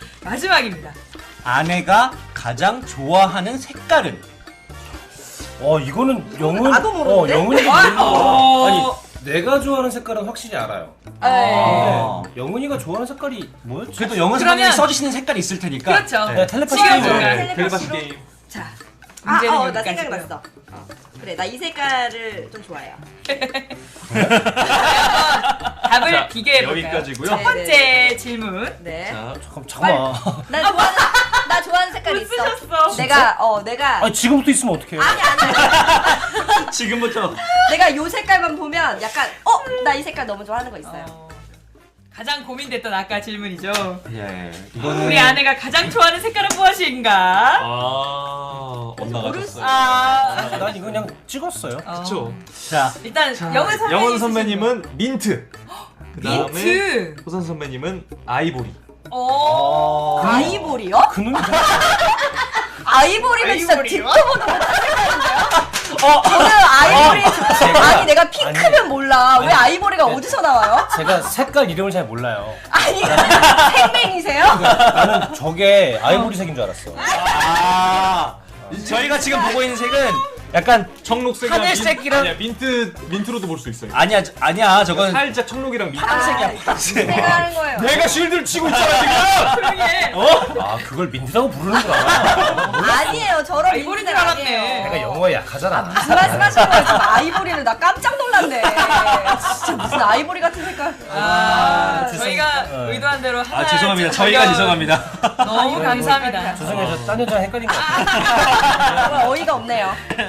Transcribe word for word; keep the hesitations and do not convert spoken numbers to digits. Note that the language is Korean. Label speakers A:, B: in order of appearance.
A: 마지막입니다.
B: 아내가 가장 좋아하는 색깔은?
C: 어 이거는 영은
D: 나도 모르는데?
C: 어 영은이가
A: 아,
C: 모르는 거야.
A: 어.
C: 아니 내가 좋아하는 색깔은 확실히 알아요.
B: 아.
C: 근데 영은이가 좋아하는 색깔이 뭐였지?
B: 그래도 영어
A: 그러면-
B: 선생님이 써주시는 색깔이 있을 테니까.
A: 그렇죠.
C: 네, 텔레파시
A: 시간
C: 게임을.
A: 정말.
D: 텔레파시로?
E: 텔레파시 게임.
A: 자,
D: 아,
A: 문제는
D: 어, 나
A: 여기까지고요.
D: 생각났어. 어. 그래, 나 이 색깔을 좀 좋아해요.
A: 답을
E: 자,
A: 비교해 볼까요?
E: 여기까지고요.
A: 첫
D: 네,
A: 번째
D: 네,
A: 질문.
D: 네.
E: 자,
C: 잠깐 잠깐만.
D: 나 좋아하는, 나 좋아하는 색깔이 있어.
A: 쓰셨어.
D: 내가, 어, 내가.
C: 아니 지금부터 있으면 어떡해?
D: 아니, 아니.
E: 지금부터.
D: 내가 요 색깔만 보면 약간, 어? 나 이 색깔 너무 좋아하는 거 있어요.
A: 어, 가장 고민됐던 아까 질문이죠.
E: 예.
B: 이거는
A: 우리 아내가 가장 좋아하는 색깔은 무엇인가?
E: 아, 엇나가셨어요.
A: 아,
C: 난 이거 그냥 찍었어요.
A: 어.
E: 그쵸.
B: 자,
A: 일단 영은 선배님.
E: 영원 선배님은 민트. 그 다음에
A: 민트.
E: 호선 선배님은 아이보리.
A: 어.
D: 아이보리요?
C: 그놈이
D: 아이보리는 진짜
A: 아이보리요?
D: 듣도 보도 못한 색깔인데요? 어, 저는 아이보리 아니 내가 핑크면 몰라. 왜 아이보리가 어디서 나와요?
C: 제가 색깔 이름을 잘 몰라요.
D: 아니 생맹이세요?
C: 나는 저게 아이보리색인 줄 알았어.
B: 아, 저희가 지금 보고 있는 색은 약간
E: 청록색이랑
B: 하늘색이랑-
E: 아니야, 민트 민트로도 볼 수 있어요.
B: 아니야, 저- 아니야, 저건
E: 살짝 청록이랑 민트.
B: 파란색이야, 파란색.
D: 제가 하는 거예요.
E: 내가 쉴드를 치고 있잖아 지금.
A: 조용히 해.
C: 아 그걸 민트라고 부르는구나.
D: 아니에요. 저런
A: 아이보리인
D: 민트는
A: 줄 알았네.
D: 아니에요.
C: 내가 영어에 약하잖아.
D: 무슨 말씀하시는 거예요? 지금 아이보리를 나 깜짝 놀랐네. 진짜 무슨 아이보리 같은 색깔.
A: 아,
C: 죄송-
A: 저희가
C: 어.
A: 의도한 대로 하나
B: 아, 죄송합니다. 저희가 죄송합니다.
A: 너무 감사합니다.
C: 죄송해요. 저 딴 여자랑 헷갈린 것 같아요.
D: 정말 어이가 없네요.